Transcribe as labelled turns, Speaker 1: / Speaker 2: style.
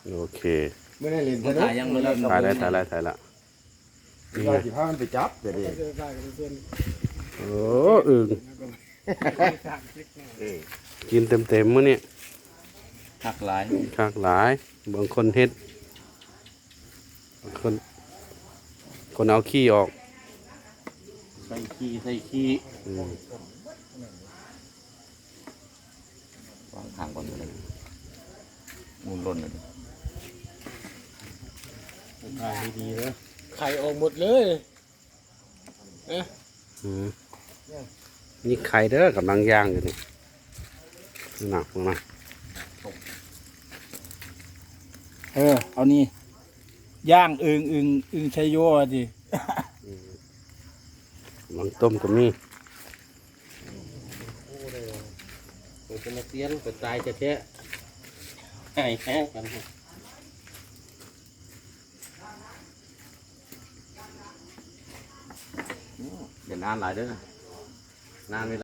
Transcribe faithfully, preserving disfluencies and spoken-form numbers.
Speaker 1: โอเค
Speaker 2: ไม่ได้เล่น
Speaker 3: มันถ่ายยังเลย
Speaker 1: ถ่ายได้ถ่ายได้ถ่ายละ
Speaker 2: นี่ไงสิพามันไปจับเดี๋ยวนี้
Speaker 1: โอ้อึ่งกินเต็มเต็มๆมื้อนี่
Speaker 3: หักหลาย
Speaker 1: คากหลายบางคนเฮ็ดบางคนคนเอาขี้ออก
Speaker 3: ใส่ขี้ใส่ขี้
Speaker 1: อืม
Speaker 3: วางทางก่อนเลยมูลล้นเลย
Speaker 2: ถ่ายดีๆนะ
Speaker 4: ไข่ออกหมดเลย
Speaker 1: อืมนี่ไข่เด้อกำลังย่างอยู่นี่หนักมาก
Speaker 4: เออเอานี่ย่างอึงอึงอึงชัยโยดิ
Speaker 1: กำลังต้มก็มี
Speaker 2: มันจะมาเตี้ยนก็ตายจะแท้ไอ้แห้งกัน
Speaker 3: เดี๋ยวนานหลายเด้อนานเวลา